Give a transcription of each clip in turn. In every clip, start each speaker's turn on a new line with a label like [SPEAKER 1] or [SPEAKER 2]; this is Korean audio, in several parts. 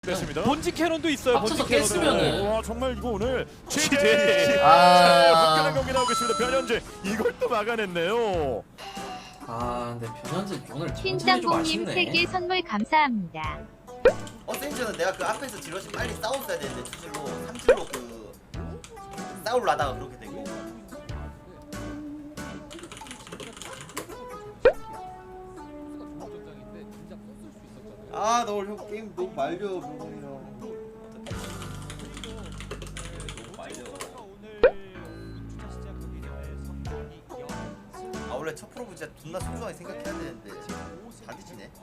[SPEAKER 1] 됐습니다.
[SPEAKER 2] 본지 캐논도 있어요.
[SPEAKER 3] 합쳐서
[SPEAKER 2] 본지 캐논도.
[SPEAKER 3] 깼으면은.
[SPEAKER 1] 와 정말 이거 오늘
[SPEAKER 2] 최대.
[SPEAKER 1] 화끈한 경기 나오고 있습니다. 변현재 이걸 또 막아냈네요.
[SPEAKER 3] 아 근데 변현재 오늘 전체적이 좀
[SPEAKER 4] 흰짬뽕님
[SPEAKER 3] 아쉽네.
[SPEAKER 4] 3개 선물 감사합니다.
[SPEAKER 5] 어센션은 내가 그 앞에서 질럿이 빨리 싸웠어야 되는데 투질로 3줄로 그 싸우려다가 그렇게 되고. 아, 너 오늘 형 게임 너무 말려, 명훈이 형. 너무 말려. 아, 원래 첫 프로브 진짜 존나 소중하게 생각해야 되는데 다 뒤지네.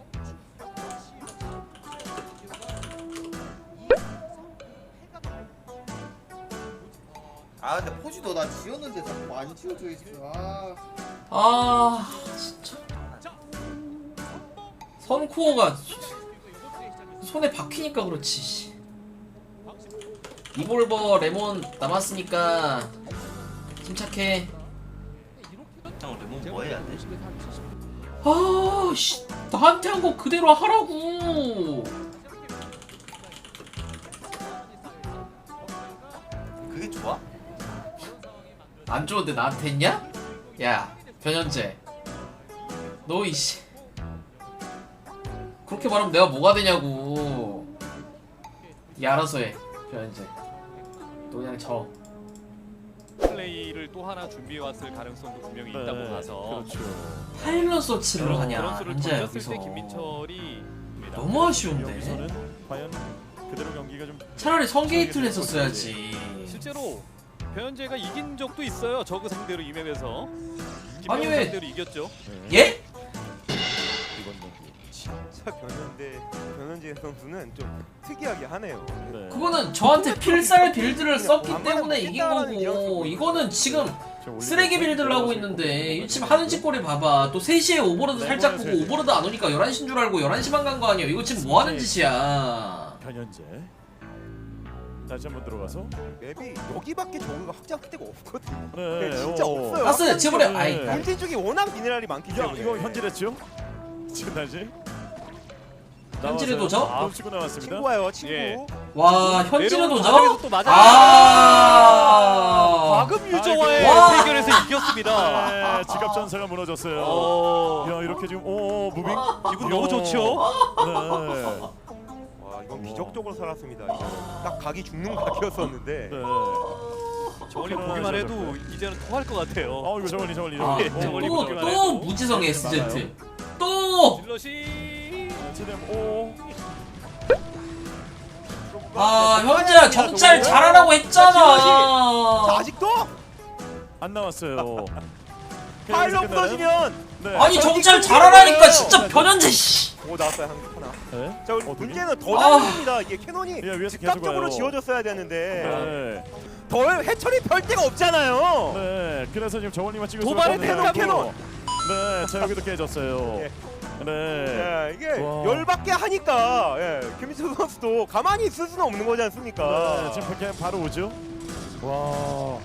[SPEAKER 5] 아, 근데 포즈도 나 지웠는데 자꾸 안 지워져 있어.
[SPEAKER 3] 아 진짜 선코어가 손에 박히니까 그렇지. 씨. 이볼버 레몬 남았으니까 침착해.
[SPEAKER 5] 형, 레몬 뭐 해야 돼?
[SPEAKER 3] 아씨 나한테 한 거 그대로 하라고.
[SPEAKER 5] 그게 좋아?
[SPEAKER 3] 안 좋은데 나한테 했냐? 야 변현재 너 이씨 그렇게 말하면 내가 뭐가 되냐고. 니 알아서 해 변현재. 너 그냥 져.
[SPEAKER 2] 플레이를 또 하나 준비해 왔을 가능성도 분명히 있다고 봐서.
[SPEAKER 1] 그렇죠.
[SPEAKER 3] 파일럿 서치를 하냐
[SPEAKER 2] 그런 수를
[SPEAKER 3] 현재
[SPEAKER 2] 던졌을
[SPEAKER 3] 여기서.
[SPEAKER 2] 때 김민철이
[SPEAKER 3] 너무 아쉬운데.
[SPEAKER 1] 여기서는 과연 그대로 경기가 좀
[SPEAKER 3] 차라리 성게이트를 했었어야지.
[SPEAKER 2] 실제로 변현재가 이긴 적도 있어요. 저그 상대로 이 맵에서.
[SPEAKER 3] 아니,
[SPEAKER 2] 김명훈
[SPEAKER 3] 왜-
[SPEAKER 2] 상대로 이겼죠.
[SPEAKER 3] 예?
[SPEAKER 1] 이번 경기.
[SPEAKER 6] 진짜 변현재 선수는 좀 특이하게 하네요.
[SPEAKER 1] 네.
[SPEAKER 3] 그거는 저한테 필살 빌드를 썼기 때문에 이긴 거고, 이거는 지금 쓰레기 빌드를 하고 있는데 지금 하는 짓거리 봐봐. 또 3시에 오버로드 살짝 보고 오버로드 안 오니까 11시인 줄 알고 11시만 간 거 아니야. 이거 지금 뭐 하는 짓이야.
[SPEAKER 1] 변현재 다시 한번 들어가서
[SPEAKER 6] 맵이 여기밖에 저거가 확장할 데가 없거든요.
[SPEAKER 1] 네,
[SPEAKER 6] 진짜
[SPEAKER 1] 오.
[SPEAKER 6] 없어요.
[SPEAKER 3] 가스 지버려. 아이
[SPEAKER 1] 네.
[SPEAKER 6] 본진 쪽이 워낙 미네랄이 많기
[SPEAKER 1] 야
[SPEAKER 6] 때문에.
[SPEAKER 1] 이거 현질했죠? 지금 다시
[SPEAKER 3] 현질의
[SPEAKER 1] 나와서요.
[SPEAKER 3] 도저?
[SPEAKER 1] 또 치고 나왔습니다.
[SPEAKER 6] 친구 와요, 친구.
[SPEAKER 2] 예.
[SPEAKER 3] 와 현질의
[SPEAKER 2] 내려오는
[SPEAKER 3] 도저?
[SPEAKER 2] 과정에서 또 맞아.
[SPEAKER 3] 아
[SPEAKER 2] 과금 유저와의
[SPEAKER 3] 와.
[SPEAKER 2] 대결에서 이겼습니다.
[SPEAKER 1] 네, 지갑 전사가 무너졌어요. 야 이렇게 지금 오 무빙
[SPEAKER 2] 기분 너무 좋죠.
[SPEAKER 1] 네.
[SPEAKER 6] 와, 이건 기적적으로 살았습니다. 이거. 딱 각이 죽는 각이었었는데.
[SPEAKER 1] 네.
[SPEAKER 2] 저걸리 보기만 해도 이제는 통할 것 같아요.
[SPEAKER 1] 어 이거 저걸리
[SPEAKER 3] 아,
[SPEAKER 2] 예, 저걸리 보기만
[SPEAKER 3] 또
[SPEAKER 2] 해도.
[SPEAKER 3] 무지성 SZ 또!
[SPEAKER 2] 질럿이
[SPEAKER 1] 지금 오
[SPEAKER 3] 아 현재야 정찰 잘하라고 했잖아.
[SPEAKER 6] 자, 아직도
[SPEAKER 1] 안 나왔어요.
[SPEAKER 6] 파일럿 부서지면
[SPEAKER 1] 네.
[SPEAKER 3] 아니 정찰 잘하라니까 진짜 변현재 씨.
[SPEAKER 6] 오 나왔어요 하나.
[SPEAKER 1] 네.
[SPEAKER 6] 자, 우리
[SPEAKER 1] 어떻게?
[SPEAKER 6] 문제는 더
[SPEAKER 3] 아.
[SPEAKER 6] 나옵니다. 이게 캐논이
[SPEAKER 1] 예, 위에서 계속
[SPEAKER 6] 즉각적으로
[SPEAKER 1] 와요.
[SPEAKER 6] 지워졌어야
[SPEAKER 1] 네.
[SPEAKER 6] 되는데 덜 해처리 별 데가 없잖아요.
[SPEAKER 1] 네. 그래서 지금 저걸리만 찍을
[SPEAKER 2] 도발의
[SPEAKER 1] 수밖에 없는데.
[SPEAKER 6] 캐논.
[SPEAKER 1] 네. 자 여기도 깨졌어요.
[SPEAKER 6] 예.
[SPEAKER 1] 네.
[SPEAKER 6] 예, 이게
[SPEAKER 1] 와.
[SPEAKER 6] 열받게 하니까 예, 김민철 선수도 가만히 있을 수는 없는 거지 않습니까?
[SPEAKER 1] 네. 지금 그냥 바로 오죠. 와.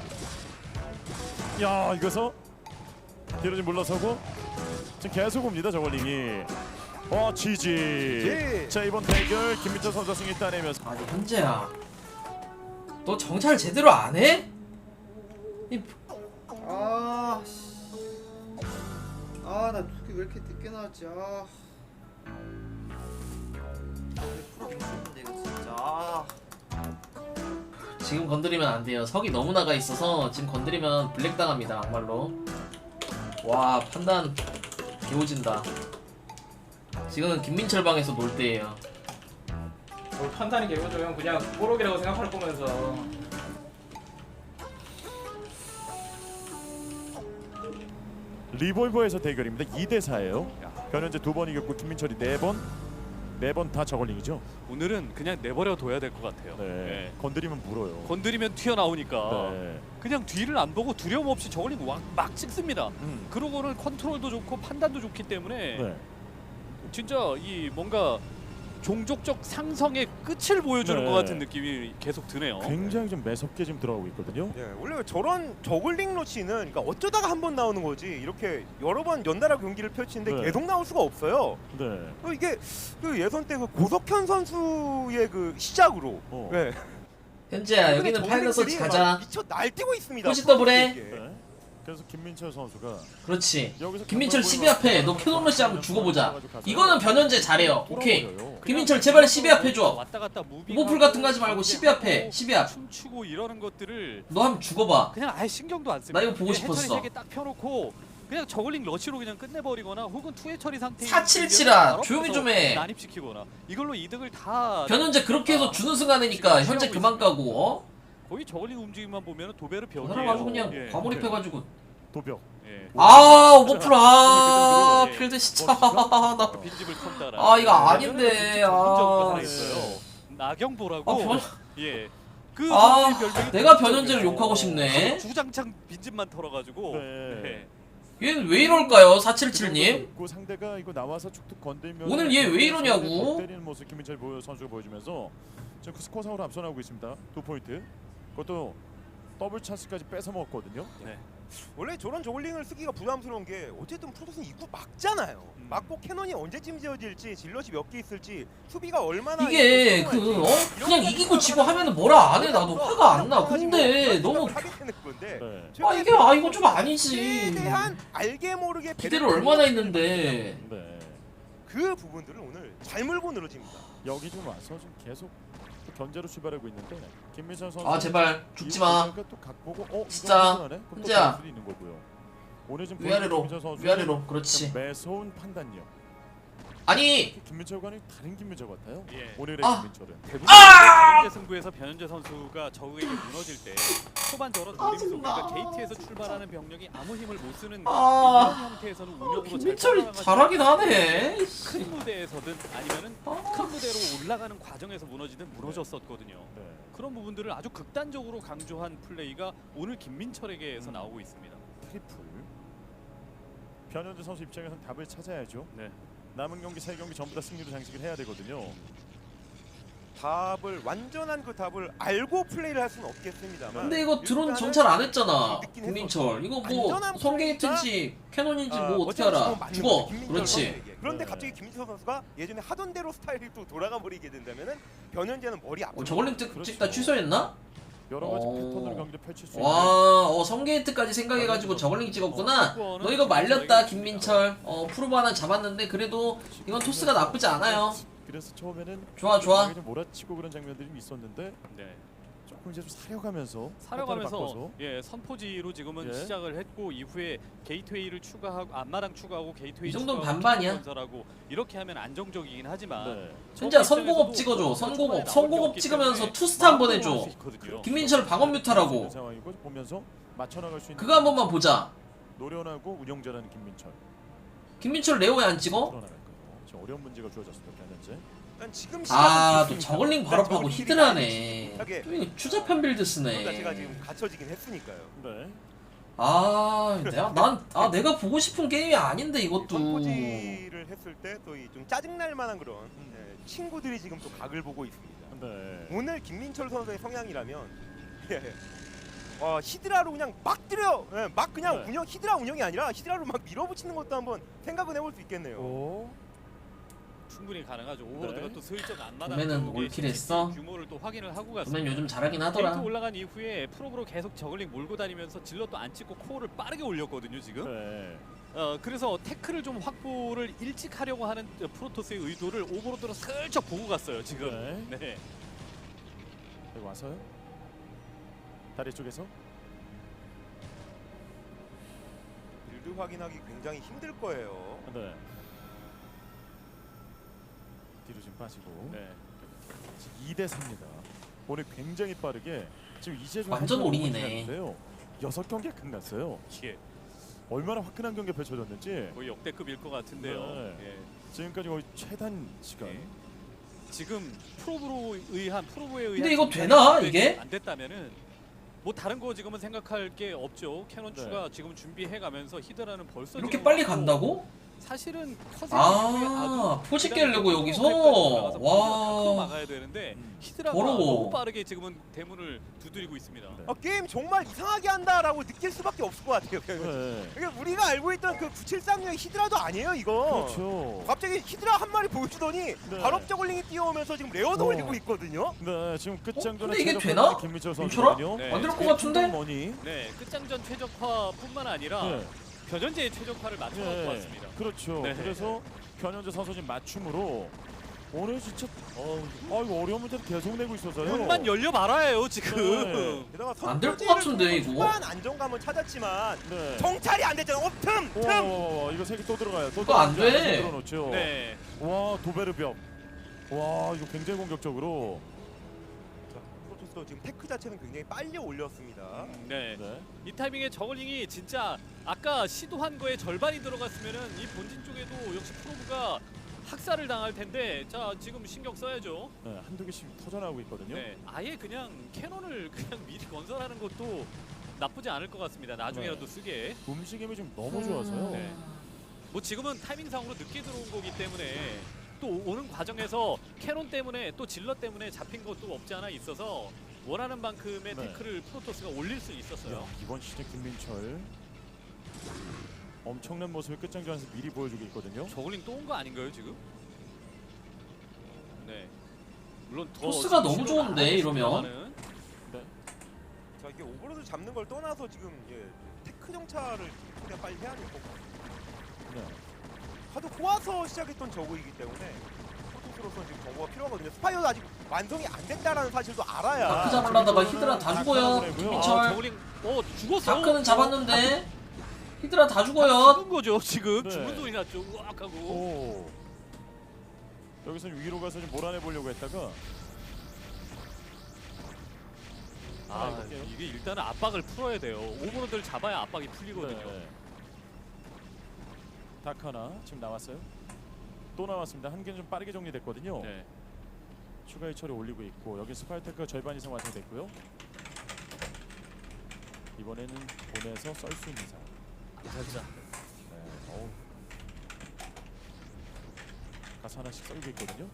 [SPEAKER 1] 야 이거서 뒤로 좀 물러서고 지금 계속 옵니다 저걸링이. 와 GG.
[SPEAKER 6] GG.
[SPEAKER 1] 자 이번 대결 김민철 선수 승리 따내면서.
[SPEAKER 3] 아니 현재야 너 정찰 제대로 안 해?
[SPEAKER 5] 아, 씨. 아, 나 두께 왜 이렇게 늦게 나왔지? 아. 프로 미쳤는데 이거 진짜. 아.
[SPEAKER 3] 지금 건드리면 안 돼요. 석이 너무 나가 있어서 지금 건드리면 블랙 당합니다. 막말로. 와 판단 개오진다. 지금은 김민철 방에서 놀 때예요.
[SPEAKER 7] 뭐 판단이 개고조면 그냥 뽀록이라고 생각할 거면서
[SPEAKER 1] 리볼버에서 대결입니다. 2대 4예요. 변현재 2번 이겼고 김민철이 4번. 4번 다 저걸링이죠.
[SPEAKER 2] 오늘은 그냥 내버려 둬야 될 것 같아요.
[SPEAKER 1] 네.
[SPEAKER 2] 예.
[SPEAKER 1] 건드리면 물어요.
[SPEAKER 2] 건드리면 튀어나오니까
[SPEAKER 1] 네.
[SPEAKER 2] 그냥 뒤를 안 보고 두려움 없이 저걸리 막 찍습니다. 그러고는 컨트롤도 좋고 판단도 좋기 때문에
[SPEAKER 1] 네.
[SPEAKER 2] 진짜 이 뭔가 종족적 상성의 끝을 보여주는
[SPEAKER 1] 네.
[SPEAKER 2] 것 같은 느낌이 계속 드네요.
[SPEAKER 1] 굉장히 좀 매섭게 지금 들어가고 있거든요.
[SPEAKER 6] 예, 원래 저런 저글링 러시는 그러니까 어쩌다가 한 번 나오는 거지 이렇게 여러 번 연달아 경기를 펼치는데
[SPEAKER 1] 네.
[SPEAKER 6] 계속 나올 수가 없어요.
[SPEAKER 1] 네.
[SPEAKER 6] 이게 그 예선 때 그 고석현 선수의 그 시작으로 예.
[SPEAKER 3] 현재야 여기는
[SPEAKER 6] 저글링들이
[SPEAKER 3] 파일럿 서치
[SPEAKER 6] 막
[SPEAKER 3] 가자.
[SPEAKER 6] 미쳐 날뛰고 있습니다.
[SPEAKER 3] 포지 더블해.
[SPEAKER 6] 이게.
[SPEAKER 1] 네. 그래서 김민철 선수가
[SPEAKER 3] 그렇지.
[SPEAKER 1] 여기서
[SPEAKER 3] 김민철
[SPEAKER 1] 강발
[SPEAKER 3] 12 앞에 너
[SPEAKER 1] 보이면서
[SPEAKER 3] 캐논러시 한번 죽어보자.
[SPEAKER 1] 가서
[SPEAKER 3] 이거는 변현재 잘해요. 오케이.
[SPEAKER 1] 돌아버려요.
[SPEAKER 3] 김민철 제발 12 앞 해줘.
[SPEAKER 2] 왔다 갔다 무빙
[SPEAKER 3] 오버풀 같은 거 하지 말고 12 앞에 12 앞.
[SPEAKER 2] 춤추고 이러는 것들을
[SPEAKER 3] 너 한번 죽어봐.
[SPEAKER 2] 그냥 아예 신경도 안 씁니다.
[SPEAKER 3] 나 이거 보고
[SPEAKER 2] 해처리
[SPEAKER 3] 싶었어.
[SPEAKER 2] 3개 딱 펴놓고 그냥 저글링 러시로 그냥 끝내버리거나 혹은 투해 처리 상태
[SPEAKER 3] 477아 조용히 좀 해.
[SPEAKER 2] 난입시키거나 이걸로 이득을 다
[SPEAKER 3] 변현재 그렇게 해서 주는 순간이니까 현재 그만 가고 어?
[SPEAKER 2] 거의 저글링 움직임만 보면 도배를
[SPEAKER 3] 그
[SPEAKER 2] 벽이에요.
[SPEAKER 3] 사람 아주 그냥
[SPEAKER 2] 예.
[SPEAKER 3] 과몰입해가지고
[SPEAKER 1] 도벽.
[SPEAKER 2] 예.
[SPEAKER 3] 아 오버풀 아
[SPEAKER 2] 예.
[SPEAKER 3] 필드 진짜 나
[SPEAKER 2] 빈집을 턴다라.
[SPEAKER 3] 아, 이거 아닌데.
[SPEAKER 2] 아,
[SPEAKER 3] 아,
[SPEAKER 2] 있어요. 나경보라고.
[SPEAKER 3] 아, 변...
[SPEAKER 2] 예. 그
[SPEAKER 3] 아,
[SPEAKER 2] 선수의 별명이
[SPEAKER 3] 내가
[SPEAKER 2] 빈집이에요.
[SPEAKER 3] 변현재를 욕하고 싶네.
[SPEAKER 2] 주장창 빈집만 털어가지고.
[SPEAKER 1] 네.
[SPEAKER 3] 얘는 왜 이럴까요 477님?
[SPEAKER 1] 그 상대가 이거 나와서 툭툭 건들면
[SPEAKER 3] 오늘 얘왜 이러냐고?
[SPEAKER 1] 때리는 모습 김민철 선수가 보여주면서 지금 그 스코어 상으로 앞서나가고 있습니다. 2포인트. 그것도 더블 찬스까지 뺏어 먹었거든요.
[SPEAKER 2] 네.
[SPEAKER 6] 원래 저런 저글링을 쓰기가 부담스러운 게 어쨌든 프로토스는 입구 막잖아요. 막고 캐논이 언제쯤 지어질지 질럿이 몇 개 있을지 수비가 얼마나
[SPEAKER 3] 이게
[SPEAKER 6] 이거
[SPEAKER 3] 그
[SPEAKER 6] 성공할지
[SPEAKER 3] 그냥
[SPEAKER 6] 이런
[SPEAKER 3] 이기고 지고
[SPEAKER 6] 생각을
[SPEAKER 3] 하면은 뭐라 안 해 나도
[SPEAKER 6] 하면서
[SPEAKER 3] 화가 안 나.
[SPEAKER 6] 그냥
[SPEAKER 3] 근데
[SPEAKER 6] 가지고
[SPEAKER 3] 너무
[SPEAKER 6] 하게 되는 건데
[SPEAKER 1] 네.
[SPEAKER 3] 아 이게 아 이거 좀 아니지.
[SPEAKER 6] 최대한 알게 모르게
[SPEAKER 3] 기대를 얼마나 했는데.
[SPEAKER 1] 네.
[SPEAKER 6] 그 부분들을 오늘 잘 물고 늘어집니다.
[SPEAKER 1] 여기 좀 와서 좀 계속 또 견제로 출발하고 있는데 김민철 선수
[SPEAKER 3] 아 제발 죽지 마.
[SPEAKER 1] 또각 보고
[SPEAKER 3] 진짜.
[SPEAKER 1] 이거 그럼 또
[SPEAKER 3] 혼자.
[SPEAKER 1] 될 수도 있는 거고요. 오늘 좀
[SPEAKER 3] 위아래로
[SPEAKER 1] 김민철 선수의
[SPEAKER 3] 위아래로 그렇지.
[SPEAKER 1] 좀 매서운 판단력.
[SPEAKER 3] 아니
[SPEAKER 1] 김민철과는 다른 김민철 같아요.
[SPEAKER 2] 예.
[SPEAKER 1] 오늘의
[SPEAKER 3] 아!
[SPEAKER 1] 김민철은.
[SPEAKER 2] 대부분
[SPEAKER 3] 아!
[SPEAKER 2] 현재 승부에서 변현재 선수가 적에게 무너질 때 초반 저런
[SPEAKER 3] 아,
[SPEAKER 2] 노림
[SPEAKER 3] 정말.
[SPEAKER 2] 속에서 게이트에서 출발하는 병력이 아무 힘을 못 쓰는
[SPEAKER 3] 아.
[SPEAKER 2] 이런 형태에서는 운영으로
[SPEAKER 3] 김민철이
[SPEAKER 2] 잘
[SPEAKER 3] 잘하긴 하네.
[SPEAKER 2] 큰 무대에서든 아니면은 큰 무대로 올라가는 과정에서 무너지든 무너졌었거든요.
[SPEAKER 1] 네.
[SPEAKER 2] 그런 부분들을 아주 극단적으로 강조한 플레이가 오늘 김민철에게서 나오고 있습니다.
[SPEAKER 1] 트리플. 변현재 선수 입장에서는 답을 찾아야죠.
[SPEAKER 2] 네.
[SPEAKER 1] 남은 경기 3경기 전부 다 승리로 장식을 해야 되거든요.
[SPEAKER 6] 답을 완전한 그 답을 알고 플레이를 할 수는 없겠습니다만.
[SPEAKER 3] 근데 이거 드론
[SPEAKER 6] 일단은
[SPEAKER 3] 정찰 안 했잖아.
[SPEAKER 6] 느끼긴
[SPEAKER 3] 김민철. 이거 뭐
[SPEAKER 6] 안전한
[SPEAKER 3] 성게이트인지 캐논인지 뭐 어떻게
[SPEAKER 6] 어쨌든
[SPEAKER 3] 알아?
[SPEAKER 6] 지금 맞는
[SPEAKER 3] 죽어.
[SPEAKER 6] 거죠, 김민철
[SPEAKER 3] 그렇지.
[SPEAKER 6] 선수에게. 그런데
[SPEAKER 1] 네.
[SPEAKER 6] 갑자기 김민철 선수가 예전에 하던 대로 스타일이 또 돌아가 버리게 된다면은 변현재는 머리 아프죠.
[SPEAKER 3] 저걸링 찍다 취소했나?
[SPEAKER 1] 여러 가지
[SPEAKER 3] 오.
[SPEAKER 1] 패턴으로 경기를 펼칠 수 있는.
[SPEAKER 3] 와, 성게이트까지 생각해가지고 저걸링 찍었구나. 너 이거 말렸다 김민철. 프로브 하나 잡았는데 그래도 이건 토스가 나쁘지 않아요.
[SPEAKER 1] 그래서 처음에는
[SPEAKER 3] 좋아, 좋아.
[SPEAKER 1] 좀 몰아치고 그런 장면들이 좀 있었는데
[SPEAKER 2] 네.
[SPEAKER 1] 조금 이제 좀 사려가면서 패턴을
[SPEAKER 2] 사려가면서
[SPEAKER 1] 바꿔서.
[SPEAKER 2] 예 선포지로 지금은
[SPEAKER 1] 예.
[SPEAKER 2] 시작을 했고 이후에 게이트웨이를 추가하고 앞마당 추가하고 게이트웨이
[SPEAKER 3] 이 정도는
[SPEAKER 2] 추가하고
[SPEAKER 3] 반반이야.
[SPEAKER 2] 건설하고 이렇게 하면 안정적이긴 하지만
[SPEAKER 1] 네.
[SPEAKER 3] 진짜 선공업 찍어줘. 선공업 찍으면서 투스타 한번 해줘. 김민철 방업 뮤타라고.
[SPEAKER 1] 있는 상황이고 보면서 맞춰 나갈 수 있는.
[SPEAKER 3] 그거 한 번만 보자.
[SPEAKER 1] 노련하고 운영자라는 김민철.
[SPEAKER 3] 김민철 레오에 안 찍어?
[SPEAKER 1] 풀어나갈 거예요. 지금 어려운 문제가 주어졌습니다. 현재.
[SPEAKER 6] 일단 지금
[SPEAKER 3] 아,
[SPEAKER 6] 시작은
[SPEAKER 3] 또 저걸링 바로 파고
[SPEAKER 6] 저걸링들이
[SPEAKER 3] 히드라네.
[SPEAKER 6] 못하게
[SPEAKER 3] 또 이거 추잡한 빌드
[SPEAKER 6] 그런
[SPEAKER 3] 쓰네.
[SPEAKER 6] 자체가 지금 갖춰지긴 했으니까요.
[SPEAKER 1] 네.
[SPEAKER 3] 아, 내가 보고 싶은 게임이 아닌데 이것도.
[SPEAKER 6] 선포지를 했을 때 또 이 좀 짜증날 만한 그런 친구들이 지금 또 각을 보고 있습니다.
[SPEAKER 1] 네.
[SPEAKER 6] 오늘 김민철 선수의 성향이라면 히드라로 그냥 막 때려, 막 그냥
[SPEAKER 1] 네.
[SPEAKER 6] 운영 히드라 운영이 아니라 히드라로 막 밀어붙이는 것도 한번 생각은 해볼 수 있겠네요.
[SPEAKER 1] 오.
[SPEAKER 2] 충분히 가능하죠. 오버로드가
[SPEAKER 1] 네.
[SPEAKER 2] 또 슬쩍 안마당
[SPEAKER 3] 봄에는
[SPEAKER 2] 쪽에
[SPEAKER 3] 올킬 했어?
[SPEAKER 2] 규모를 또 확인을 하고
[SPEAKER 3] 보면
[SPEAKER 2] 갔습니다.
[SPEAKER 3] 요즘 잘하긴
[SPEAKER 2] 게이트
[SPEAKER 3] 하더라.
[SPEAKER 2] 올라간 이후에 프로브로 계속 저글링 몰고 다니면서 질럿도 안 찍고 코어를 빠르게 올렸거든요 지금.
[SPEAKER 1] 네.
[SPEAKER 2] 그래서 태클을 좀 확보를 일찍 하려고 하는 프로토스의 의도를 오버로드로 슬쩍 보고 갔어요 지금.
[SPEAKER 1] 네.
[SPEAKER 2] 네.
[SPEAKER 1] 여기 와서요. 다리 쪽에서.
[SPEAKER 6] 빌드 확인하기 굉장히 힘들 거예요.
[SPEAKER 1] 네. 뒤로 좀 빠지고.
[SPEAKER 2] 네.
[SPEAKER 1] 2대 4입니다. 오늘 굉장히 빠르게 지금 이제 좀
[SPEAKER 3] 완전
[SPEAKER 1] 한
[SPEAKER 3] 올인이네.
[SPEAKER 1] 6경기가 끝났어요.
[SPEAKER 2] 예.
[SPEAKER 1] 얼마나 화끈한 경기가 펼쳐졌는지.
[SPEAKER 2] 거의 역대급일 것 같은데요.
[SPEAKER 1] 네.
[SPEAKER 2] 예.
[SPEAKER 1] 지금까지 거의 최단 시간.
[SPEAKER 2] 예. 지금 프로브에 의한
[SPEAKER 3] 근데 이거 되나, 이게?
[SPEAKER 2] 안 됐다면은 뭐 다른 거 지금은 생각할 게 없죠. 캐논
[SPEAKER 1] 네.
[SPEAKER 2] 추가 지금 준비해 가면서 히드라는 벌써
[SPEAKER 3] 이렇게
[SPEAKER 2] 지금
[SPEAKER 3] 빨리
[SPEAKER 2] 왔고
[SPEAKER 3] 간다고?
[SPEAKER 2] 사실은
[SPEAKER 3] 아, 포식 깨려고 여기서? 와.
[SPEAKER 2] 막아야 되는데 히드라가
[SPEAKER 3] 더러워.
[SPEAKER 2] 너무 빠르게 지금은 대문을 두드리고 있습니다.
[SPEAKER 6] 게임 정말 이상하게 한다라고 느낄 수밖에 없을 것 같아요.
[SPEAKER 1] 네.
[SPEAKER 6] 이게 우리가 알고 있던 그 9736의 히드라도 아니에요 이거.
[SPEAKER 1] 그렇죠.
[SPEAKER 6] 갑자기 히드라 한 마리 보여주더니
[SPEAKER 1] 네.
[SPEAKER 6] 발업 저글링이 뛰어오면서 지금 레어도 올리고 있거든요.
[SPEAKER 1] 네, 지금 끝장전에
[SPEAKER 3] 근데 이게
[SPEAKER 1] 최적화된
[SPEAKER 3] 되나?
[SPEAKER 1] 김민철
[SPEAKER 3] 민철아?
[SPEAKER 1] 선수거든요.
[SPEAKER 2] 네.
[SPEAKER 3] 안 될 것 같은데?
[SPEAKER 1] 머니.
[SPEAKER 2] 네, 끝장전 최적화뿐만 아니라
[SPEAKER 1] 네.
[SPEAKER 2] 변현재의 최적화를 맞춰놓고 왔습니다.
[SPEAKER 1] 그렇죠.
[SPEAKER 2] 네.
[SPEAKER 1] 그래서 변현재 선수 지금 맞춤으로 오늘 진짜 이거 어려운 문제를 계속 내고 있어서요.
[SPEAKER 2] 문만 열려 말아요 지금.
[SPEAKER 1] 네.
[SPEAKER 6] 게다가
[SPEAKER 3] 안될것
[SPEAKER 6] 선두지를
[SPEAKER 3] 같은데, 이거?
[SPEAKER 6] 초반 안정감을 찾았지만
[SPEAKER 1] 네.
[SPEAKER 6] 정찰이 안 됐잖아. 틈.
[SPEAKER 1] 이거 세 개 또 들어가요. 또
[SPEAKER 3] 그거 안
[SPEAKER 1] 들어가죠.
[SPEAKER 3] 돼.
[SPEAKER 1] 들어놓죠.
[SPEAKER 2] 네,
[SPEAKER 1] 와 도베르벽. 와 이거 굉장히 공격적으로.
[SPEAKER 6] 자, 프로토스도 지금 테크 자체는 굉장히 빨리 올렸습니다.
[SPEAKER 2] 네.
[SPEAKER 1] 네.
[SPEAKER 2] 이 타이밍에 저글링이 진짜 아까 시도한 거에 절반이 들어갔으면은 이 본진 쪽에도 역시 프로브가 학살을 당할 텐데 자 지금 신경 써야죠.
[SPEAKER 1] 네, 한두 개씩 터져나오고 있거든요.
[SPEAKER 2] 네, 아예 그냥 캐논을 그냥 미리 건설하는 것도 나쁘지 않을 것 같습니다. 나중에라도
[SPEAKER 1] 네.
[SPEAKER 2] 쓰게.
[SPEAKER 1] 움직임이 좀 너무 좋아서요.
[SPEAKER 2] 네. 뭐 지금은 타이밍상으로 늦게 들어온 거기 때문에 또 오는 과정에서 캐논 때문에 또 질러 때문에 잡힌 것도 없지 않아 있어서 원하는 만큼의
[SPEAKER 1] 네.
[SPEAKER 2] 태클을 프로토스가 올릴 수 있었어요.
[SPEAKER 1] 야, 이번 시즌 김민철 엄청난 모습을 끝장전에서 미리 보여주고 있거든요.
[SPEAKER 2] 저글링 또 온 거 아닌가요 지금? 네. 물론 더
[SPEAKER 3] 토스가
[SPEAKER 2] 지금
[SPEAKER 3] 너무
[SPEAKER 2] 시도가
[SPEAKER 3] 좋은데,
[SPEAKER 2] 안
[SPEAKER 3] 이러면?
[SPEAKER 2] 됐습니다만은.
[SPEAKER 6] 자 이게 오버로드 잡는 걸 떠나서 지금 테크 정찰을 최대한 빨리 해야 될 것 같아요.
[SPEAKER 1] 네.
[SPEAKER 6] 하도 꼬아서 시작했던 저그이기 때문에 프로토스로서는 지금 저그가 필요하거든요. 스파이어도 아직 완성이 안 됐다라는 사실도 알아야.
[SPEAKER 3] 다크 잡으려다가 히드라 다 죽어요.
[SPEAKER 1] 보내고요.
[SPEAKER 3] 김민철.
[SPEAKER 2] 저글링 죽었어.
[SPEAKER 3] 다크는 잡았는데 히드라 다 죽어요.
[SPEAKER 2] 죽은 거죠 지금.
[SPEAKER 1] 네.
[SPEAKER 2] 죽은 소리 났죠. 우악 하고.
[SPEAKER 1] 오. 여기서 위로 가서 좀 몰아내 보려고 했다가
[SPEAKER 2] 아
[SPEAKER 1] 해볼게요.
[SPEAKER 2] 이게 일단은 압박을 풀어야 돼요. 오버로드를 잡아야 압박이 풀리거든요.
[SPEAKER 1] 네. 다크 하나 지금 나왔어요. 또 나왔습니다. 한 개는 좀 빠르게 정리됐거든요.
[SPEAKER 2] 네.
[SPEAKER 1] 추가 해처리 올리고 있고 여기 스파이테크가 절반 이상 완성됐고요. 이번에는 보내서 썰 수 있는 상황.
[SPEAKER 2] 살짝.
[SPEAKER 1] 네. 어우. 가스 하나씩 썰고 있거든요.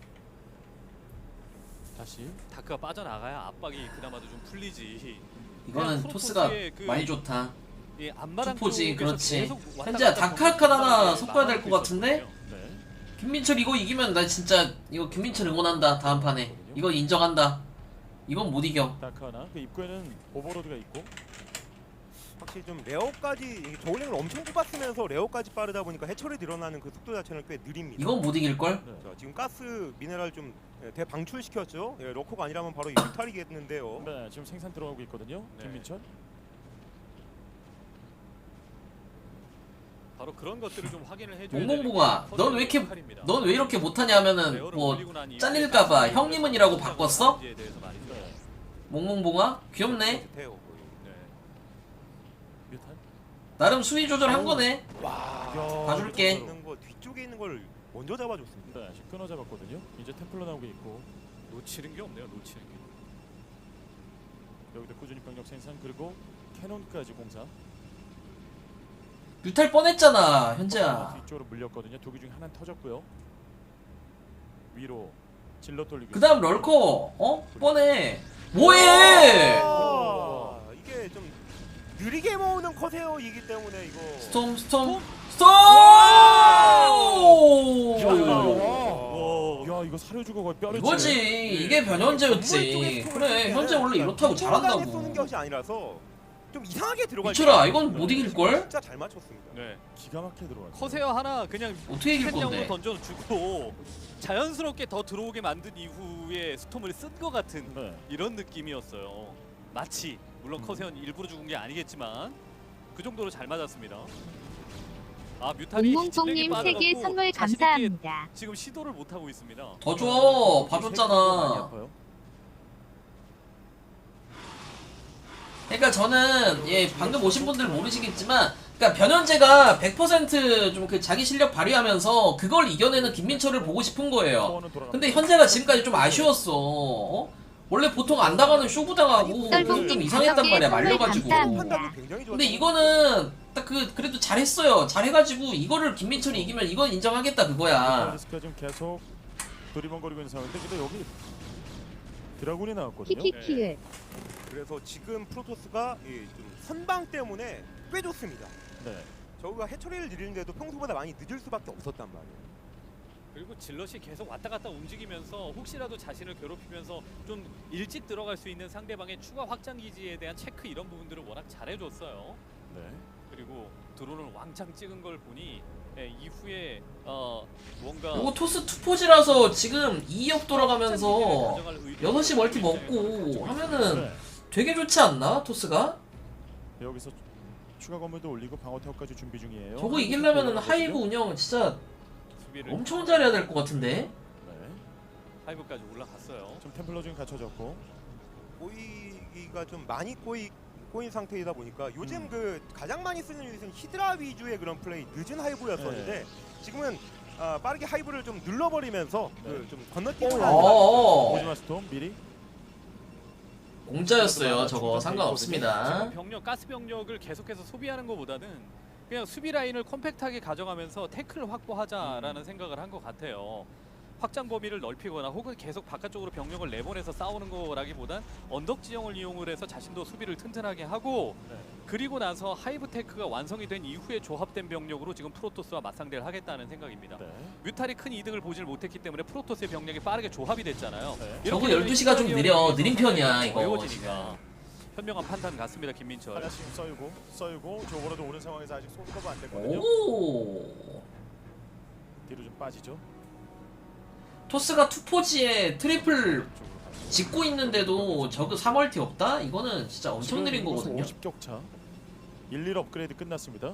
[SPEAKER 1] 다시
[SPEAKER 2] 다크가 빠져나가야 압박이 그나마도 좀 풀리지.
[SPEAKER 3] 이거는
[SPEAKER 2] 그냥
[SPEAKER 3] 토스가
[SPEAKER 2] 프로토스의 그
[SPEAKER 3] 많이 좋다.
[SPEAKER 2] 이 앞마당
[SPEAKER 3] 투포지,
[SPEAKER 2] 쪽에서
[SPEAKER 3] 그렇지.
[SPEAKER 2] 계속 왔다
[SPEAKER 3] 현재야
[SPEAKER 2] 갔다
[SPEAKER 3] 다크 하나
[SPEAKER 2] 하면서
[SPEAKER 3] 섞어야 될 것
[SPEAKER 2] 막아놓고
[SPEAKER 3] 같은데?
[SPEAKER 2] 있었거든요.
[SPEAKER 1] 네.
[SPEAKER 3] 김민철 이거 이기면 나 진짜 이거 김민철 응원한다. 다음 판에 이거 인정한다. 이건 못 이겨.
[SPEAKER 1] 다크 하나. 그 입구에는 오버로드가 있고.
[SPEAKER 6] 확실히 좀 레어까지 저울링을 엄청 뽑았으면서 레어까지 빠르다 보니까 해처리 늘어나는 그 속도 자체는 꽤 느립니다.
[SPEAKER 3] 이건 못 이길 걸?
[SPEAKER 1] 네.
[SPEAKER 6] 자, 지금 가스 미네랄 좀 대방출시켰죠. 러커가 아니라면 바로 유탈이겠는데요.
[SPEAKER 1] 네, 지금 생산 들어가고 있거든요.
[SPEAKER 2] 네.
[SPEAKER 1] 김민철.
[SPEAKER 2] 바로 그런 것들을 좀 확인을 해줘야
[SPEAKER 3] 몽몽봉아,
[SPEAKER 2] 되는 게
[SPEAKER 3] 넌 왜 이렇게
[SPEAKER 2] 역할입니다.
[SPEAKER 3] 넌 왜 이렇게 못하냐면은
[SPEAKER 2] 레어를
[SPEAKER 3] 뭐
[SPEAKER 2] 올리고 난 이후에
[SPEAKER 3] 잘릴까봐
[SPEAKER 2] 가스
[SPEAKER 3] 형님은이라고
[SPEAKER 2] 공격을
[SPEAKER 3] 바꿨어?
[SPEAKER 2] 하는지에 대해서 말이죠.
[SPEAKER 1] 네.
[SPEAKER 3] 몽몽봉아 귀엽네.
[SPEAKER 6] 비슷해요, 거의.
[SPEAKER 2] 네.
[SPEAKER 1] 뮤탄.
[SPEAKER 3] 나름 수위 조절한 거네.
[SPEAKER 6] 와,
[SPEAKER 3] 봐줄게.
[SPEAKER 6] 있는 거 뒤쪽에 있는 걸 먼저 잡아줬습니다.
[SPEAKER 1] 네, 지금 끊어 잡았거든요. 이제 템플러 나오고 있고
[SPEAKER 2] 놓치는 게 없네요. 놓치는 게.
[SPEAKER 1] 여기도 꾸준히 병력 생산 그리고 캐논까지 공사.
[SPEAKER 3] 뮤탈 뻔했잖아 현재야.
[SPEAKER 1] 뒤쪽으로 물렸거든요. 두 개 중에 하나는 터졌고요. 위로 질러 돌리고.
[SPEAKER 3] 그 다음 럴커 뻔해. 뭐해?
[SPEAKER 6] 아, 이게 좀 느리게 모으는 커세어이기 때문에 이거
[SPEAKER 3] 스톰 스톰
[SPEAKER 1] 야,
[SPEAKER 3] 스톰.
[SPEAKER 1] 야, 이거 사려주고 거의 뼈를
[SPEAKER 3] 이거지. 이게 변현재였지. 그래 현재 원래 이렇다고
[SPEAKER 6] 쏘는
[SPEAKER 3] 잘한다고.
[SPEAKER 6] 것이 아니라서 좀 이상하게 들어갈
[SPEAKER 3] 미쳐라
[SPEAKER 6] 때
[SPEAKER 3] 이건 못 이길 걸?
[SPEAKER 6] 진짜 잘 맞췄습니다.
[SPEAKER 2] 네.
[SPEAKER 1] 기가 막히게 들어갔어요.
[SPEAKER 2] 커세어 하나 그냥
[SPEAKER 3] 어떻게 이길
[SPEAKER 2] 캔냥으로
[SPEAKER 3] 건데?
[SPEAKER 2] 던져주고 자연스럽게 더 들어오게 만든 이후에 스톰을 쓴 것 같은
[SPEAKER 1] 네.
[SPEAKER 2] 이런 느낌이었어요. 마치 물론 커세어는 일부러 죽은 게 아니겠지만 그 정도로 잘 맞았습니다. 아 뮤탈이
[SPEAKER 4] 몽몽봉님 3개 선물 감사합니다.
[SPEAKER 2] 지금 시도를 못 하고 있습니다.
[SPEAKER 3] 더 줘.
[SPEAKER 1] 많이
[SPEAKER 3] 봐줬잖아.
[SPEAKER 1] 아파요.
[SPEAKER 3] 그러니까 저는 방금 오신 분들 모르시겠지만 그러니까 변현재가 100% 좀 그 자기 실력 발휘하면서 그걸 이겨내는 김민철을 보고 싶은 거예요.
[SPEAKER 1] 소원은 돌아갑니다.
[SPEAKER 3] 근데 현재가 지금까지 좀 아쉬웠어. 원래 보통 안 당하는 쇼부 당하고
[SPEAKER 4] 썰봉님
[SPEAKER 3] 좀 이상했단 말이야
[SPEAKER 4] 선물
[SPEAKER 3] 말려가지고.
[SPEAKER 4] 감사합니다.
[SPEAKER 6] 판단도 굉장히 좋았어요.
[SPEAKER 3] 근데 이거는 딱 그래도 잘했어요. 잘해가지고 이거를 김민철이 이기면 이건 인정하겠다 그거야.
[SPEAKER 1] 리스크가 지금 계속 두리번거리고 있는 상황인데 근데 여기 드라군이 나왔거든요.
[SPEAKER 4] 키키키을.
[SPEAKER 6] 그래서 지금 프로토스가 좀 선방 때문에 꽤 좋습니다.
[SPEAKER 1] 네.
[SPEAKER 6] 저우가 해처리를 느리는데도 평소보다 많이 늦을 수밖에 없었단 말이에요.
[SPEAKER 2] 그리고 질럿이 계속 왔다 갔다 움직이면서 혹시라도 자신을 괴롭히면서 좀 일찍 들어갈 수 있는 상대방의 추가 확장 기지에 대한 체크 이런 부분들을 워낙 잘해줬어요.
[SPEAKER 1] 네.
[SPEAKER 2] 그리고 드론을 왕창 찍은 걸 보니 이후에 뭔가
[SPEAKER 3] 이거 토스 투포지라서 지금 2역 돌아가면서 6시 멀티 먹고 하면은
[SPEAKER 1] 네.
[SPEAKER 3] 되게 좋지 않나 토스가?
[SPEAKER 1] 여기서 추가 건물도 올리고 방어 타워까지 준비 중이에요.
[SPEAKER 3] 저거 이기려면은 하이브 운영 진짜
[SPEAKER 2] 수비를
[SPEAKER 3] 엄청 잘해야 될 것 같은데.
[SPEAKER 1] 네.
[SPEAKER 2] 하이브까지 올라갔어요.
[SPEAKER 1] 지금 템플러 지금 갖춰졌고.
[SPEAKER 6] 꼬이기가 좀 많이 꼬인 상태이다 보니까 요즘 그 가장 많이 쓰는 유닛은 히드라 위주의 그런 플레이 늦은 하이브였었는데 지금은 빠르게 하이브를 좀 눌러버리면서 그 좀 건너뛰는
[SPEAKER 1] 오지마 스톰 미리.
[SPEAKER 3] 공짜였어요. 저거 상관없습니다.
[SPEAKER 2] 병력, 가스 병력을 계속해서 소비하는 것보다는 그냥 수비 라인을 컴팩트하게 가져가면서 태클을 확보하자라는 생각을 한 것 같아요. 확장 범위를 넓히거나 혹은 계속 바깥쪽으로 병력을 내보내서 싸우는 거라기보단 언덕 지형을 이용을 해서 자신도 수비를 튼튼하게 하고
[SPEAKER 1] 네.
[SPEAKER 2] 그리고 나서 하이브 테크가 완성이 된 이후에 조합된 병력으로 지금 프로토스와 맞상대를 하겠다는 생각입니다.
[SPEAKER 1] 네.
[SPEAKER 2] 뮤탈이 큰 이득을 보질 못했기 때문에 프로토스의 병력이 빠르게 조합이 됐잖아요.
[SPEAKER 1] 네.
[SPEAKER 3] 저거
[SPEAKER 2] 이렇게 되면
[SPEAKER 3] 12시가 좀 느려. 느린 편이야, 이거
[SPEAKER 2] 어려워지니까. 현명한 판단 같습니다, 김민철.
[SPEAKER 1] 하나씩 썰고 저거라도 오는 상황에서 아직 손 커버 안 됐거든요.
[SPEAKER 3] 오.
[SPEAKER 1] 뒤로 좀 빠지죠.
[SPEAKER 3] 토스가 투포지에 트리플
[SPEAKER 1] 쪽으로 가죠.
[SPEAKER 3] 짓고 있는데도 저그 3월티 없다? 이거는 진짜 엄청 느린 거거든요.
[SPEAKER 1] 50격차. 1, 업그레이드 끝났습니다.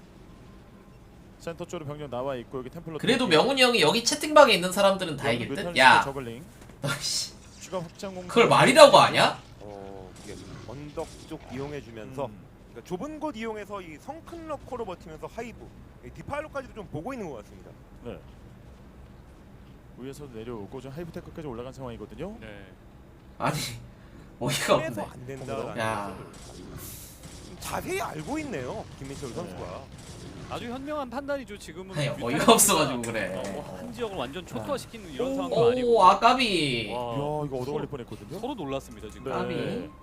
[SPEAKER 1] 센터 쪽으로 병력 나와 있고 여기 템플러.
[SPEAKER 3] 그래도 명훈이 형이 여기 채팅방에 있는 사람들은 다 이길 듯? 야,
[SPEAKER 1] 저글링.
[SPEAKER 3] 너씨
[SPEAKER 1] 추가 확장 공간.
[SPEAKER 3] 그걸 말이라고 하냐?
[SPEAKER 6] 이게 언덕 쪽 이용해주면서 그러니까 좁은 곳 이용해서 이 성큰 러커로 버티면서 하이브 디파일로까지도 좀 보고 있는 것 같습니다.
[SPEAKER 1] 네. 위에서 내려오고 좀 하이브테크까지 올라간 상황이거든요.
[SPEAKER 2] 네.
[SPEAKER 3] 아니 어이가
[SPEAKER 6] 그래서
[SPEAKER 3] 없네.
[SPEAKER 6] 안 된다라는
[SPEAKER 3] 야.
[SPEAKER 6] 것을 좀 자세히 알고 있네요, 김민철 선수가.
[SPEAKER 2] 아주 현명한 판단이죠. 지금은
[SPEAKER 3] 아니,
[SPEAKER 2] 뮤탈
[SPEAKER 3] 어이가 없어가지고
[SPEAKER 2] 선수가,
[SPEAKER 3] 그래.
[SPEAKER 2] 한 지역을 완전 초토화시키는 이런 상황도 아니고.
[SPEAKER 3] 오 아까비.
[SPEAKER 1] 이야
[SPEAKER 2] 와,
[SPEAKER 1] 이거 얻어 걸릴 뻔했거든요.
[SPEAKER 2] 서로 놀랐습니다 지금.
[SPEAKER 3] 까비.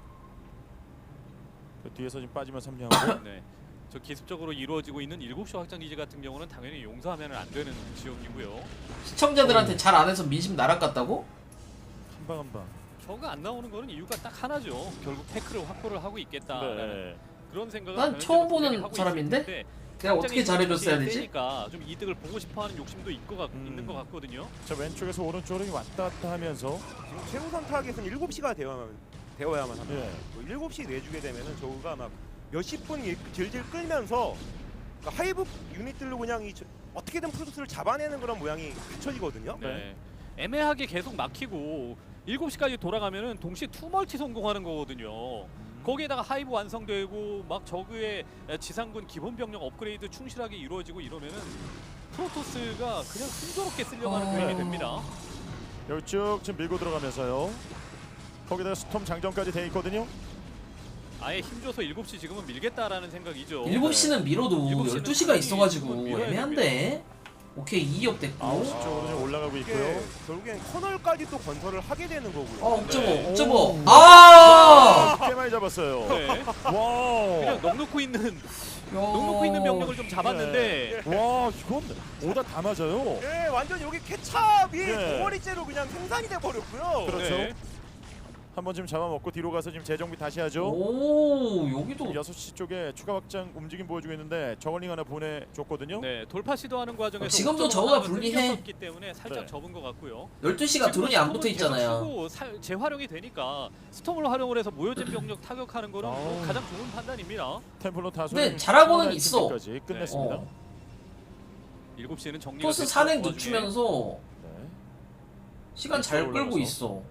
[SPEAKER 1] 그 뒤에서 지금 빠지면 섬리하고.
[SPEAKER 2] 네. 저 기습적으로 이루어지고 있는 7시 확장 기지 같은 경우는 당연히 용서하면 안 되는 지역이고요.
[SPEAKER 3] 시청자들한테 잘 안 해서 민심 날아갔다고?
[SPEAKER 1] 한 방.
[SPEAKER 2] 저가 안 나오는 거는 이유가 딱 하나죠. 결국 태클을 확보를 하고 있겠다라는
[SPEAKER 1] 네.
[SPEAKER 2] 그런 생각을
[SPEAKER 3] 난
[SPEAKER 2] 저는
[SPEAKER 3] 처음
[SPEAKER 2] 분명히
[SPEAKER 3] 보는
[SPEAKER 2] 하고
[SPEAKER 3] 사람인데?
[SPEAKER 2] 있을 텐데
[SPEAKER 3] 내가 어떻게 잘해줬어야 되지?
[SPEAKER 2] 세니까 좀 이득을 보고 싶어하는 욕심도 있는 것 같거든요.
[SPEAKER 1] 자 왼쪽에서 오른쪽으로 왔다 갔다 하면서.
[SPEAKER 6] 지금 최우선 타겟은 7시가 되어야만 합니다.
[SPEAKER 1] 예.
[SPEAKER 6] 뭐 7시 내주게 되면은 저우가 막 몇십 분 질질 끌면서 그러니까 하이브 유닛들로 그냥 어떻게든 프로토스를 잡아내는 그런 모양이 갖춰지거든요.
[SPEAKER 2] 네. 애매하게 계속 막히고 7시까지 돌아가면은 동시에 투멀티 성공하는 거거든요. 거기에다가 하이브 완성되고 막 저그의 지상군 기본 병력 업그레이드 충실하게 이루어지고 이러면은 프로토스가 그냥 순조롭게 쓰려고 하는 그림이 됩니다.
[SPEAKER 1] 여기 쭉 지금 밀고 들어가면서요. 거기다가 스톰 장전까지 돼 있거든요.
[SPEAKER 2] 아예 힘줘서 7시 지금은 밀겠다라는 생각이죠.
[SPEAKER 3] 7시는 밀어도
[SPEAKER 2] 7시는
[SPEAKER 3] 12시가 있어가지고
[SPEAKER 2] 밀어야
[SPEAKER 3] 애매한데. 오케이 2역 됐고.
[SPEAKER 1] 9시 쪽으로 지금 올라가고
[SPEAKER 6] 이게
[SPEAKER 1] 있고요.
[SPEAKER 6] 결국엔 커널까지 또 건설을 하게 되는 거고요.
[SPEAKER 3] 옥저버
[SPEAKER 2] 네.
[SPEAKER 3] 옥저버. 아!
[SPEAKER 1] 꽤 많이 잡았어요.
[SPEAKER 2] 네.
[SPEAKER 1] 와.
[SPEAKER 2] 그냥 넉넉히 있는 병력을 좀 잡았는데
[SPEAKER 1] 와 이건 오다 다 맞아요.
[SPEAKER 6] 예, 완전 여기 케찹이
[SPEAKER 1] 네.
[SPEAKER 6] 덩어리째로 그냥 생산이 돼 버렸고요.
[SPEAKER 1] 그렇죠.
[SPEAKER 2] 네.
[SPEAKER 1] 한번 지금 잡아먹고 뒤로 가서 지금 재정비 다시 하죠.
[SPEAKER 3] 오 여기도
[SPEAKER 1] 6시 쪽에 추가 확장 움직임 보여주고 있는데 저걸링 하나 보내줬거든요.
[SPEAKER 2] 네, 돌파 시도하는 과정에서
[SPEAKER 3] 지금도
[SPEAKER 2] 옥점으로
[SPEAKER 3] 저거가
[SPEAKER 2] 하나가
[SPEAKER 3] 불리해.
[SPEAKER 2] 끊겼었기 때문에 살짝
[SPEAKER 1] 네.
[SPEAKER 2] 접은 것 같고요.
[SPEAKER 3] 12시가 드론이 안 붙어 있잖아요.
[SPEAKER 2] 재활용이 되니까 스톰을 활용을 해서 모여진 병력 타격하는 거는 뭐
[SPEAKER 1] 아우.
[SPEAKER 2] 가장 좋은 판단입니다.
[SPEAKER 1] 템플러 다수.
[SPEAKER 3] 근데 잘하고는 있어.
[SPEAKER 1] 까지 끝냈습니다.
[SPEAKER 3] 어.
[SPEAKER 2] 7시에는 정리가
[SPEAKER 3] 토스
[SPEAKER 2] 됐고,
[SPEAKER 3] 산행
[SPEAKER 2] 그 와중에
[SPEAKER 3] 늦추면서
[SPEAKER 1] 네.
[SPEAKER 3] 시간 잘 끌고
[SPEAKER 1] 올라가서.
[SPEAKER 3] 있어.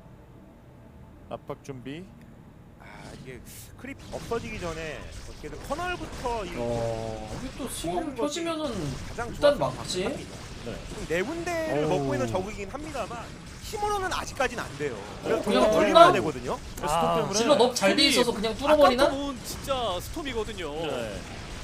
[SPEAKER 1] 압박 준비.
[SPEAKER 6] 아, 이게 크립 없어지기 전에 어떻게든 커널부터 이
[SPEAKER 3] 여기 또 시간 펴지면은
[SPEAKER 6] 가장
[SPEAKER 3] 일단
[SPEAKER 6] 좋았던
[SPEAKER 3] 막지.
[SPEAKER 1] 네.
[SPEAKER 6] 지금 네 군데를
[SPEAKER 1] 오.
[SPEAKER 6] 먹고 있는 적이긴 합니다만 힘으로는 아직까지는 안 돼요. 그래서
[SPEAKER 3] 그냥
[SPEAKER 6] 더
[SPEAKER 3] 뚫나?
[SPEAKER 6] 돌려야 되거든요.
[SPEAKER 1] 스톱 때문에.
[SPEAKER 3] 질러 넙 잘 돼 있어서 그냥 뚫어버리나?
[SPEAKER 2] 아까부터는 진짜 스톰이거든요.
[SPEAKER 1] 네.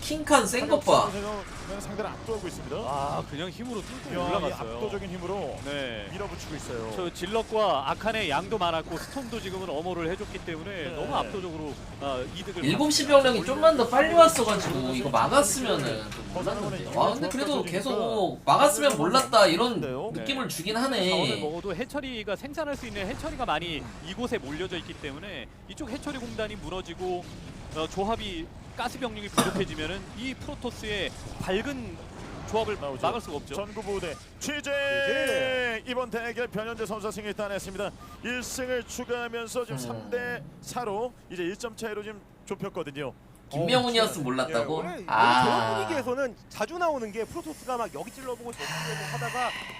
[SPEAKER 3] 킹칸 센 것 봐.
[SPEAKER 1] 상대를 압도하고 있습니다.
[SPEAKER 2] 아 그냥 힘으로 뚫고
[SPEAKER 1] 야, 이
[SPEAKER 2] 올라갔어요.
[SPEAKER 1] 압도적인 힘으로
[SPEAKER 2] 네.
[SPEAKER 1] 밀어붙이고 있어요.
[SPEAKER 2] 저 질럿과 아칸의 양도 많았고 스톰도 지금은 엄호를 해줬기 때문에 너무 압도적으로 이득을
[SPEAKER 3] 7시 병력이 좀만 더 빨리 왔어가지고 이거 막았으면은 좀 몰랐는데. 와 근데 그래도 계속 막았으면 몰랐다 이런 느낌을 주긴
[SPEAKER 2] 자원을
[SPEAKER 3] 하네.
[SPEAKER 2] 먹어도 해처리가 생산할 수 있는 해처리가 많이 이곳에 몰려져 있기 때문에 이쪽 해처리 공단이 무너지고 조합이 가스 병력이 부족해지면은 이 프로토스의 밝은 조합을
[SPEAKER 1] 나오죠.
[SPEAKER 2] 막을 수가 없죠.
[SPEAKER 1] 전구부대 취재 이번 대결 변현재 선수가 승리 따냈습니다. 1승을 추가하면서 지금 3대 4로 이제 1점 차이로 지금 좁혔거든요.
[SPEAKER 3] 김명훈이었으면 몰랐다고?
[SPEAKER 6] 원래 저런
[SPEAKER 3] 아.
[SPEAKER 6] 분위기에서는 자주 나오는 게 프로토스가 막 여기 찔러보고 저기 찔러보고 하다가